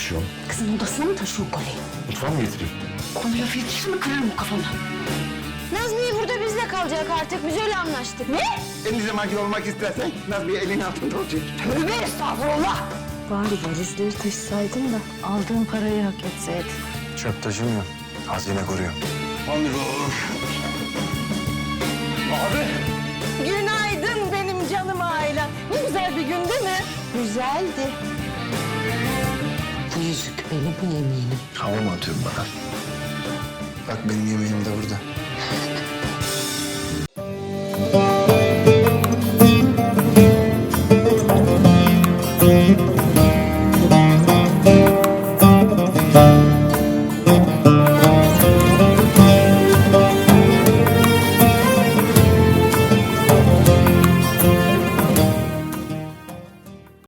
taşıyorsun? Kızın odasına mı taşıyor kolyeyi? Mutfağa mı getireyim? Bana laf yetişir mi kırarım o kafana. Nazmiye burada bizle kalacak artık. Biz öyle anlaştık. Ne? En zamanki olmak istersen Nazmiye elin altında olacak. Tövbe estağfurullah. Bari valizleri taşısaydın da aldığın parayı hak etseydin. Çöp taşımıyor. Hazine koruyor. Günaydın benim canım ailem. Ne güzel bir gün değil mi? Güzeldi. Bu yüzük benim yeminim. Hava mı atıyorsun bana? Bak benim yemeğim de burada.